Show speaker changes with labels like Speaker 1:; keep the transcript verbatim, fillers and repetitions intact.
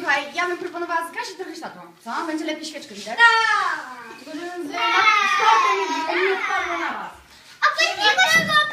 Speaker 1: słuchaj, ja bym proponowała zgasić trochę światło, co? Będzie lepiej świeczkę widać.
Speaker 2: Tak.
Speaker 1: Tylko, że z, z tortem nie odpadło na was.
Speaker 2: A pani nie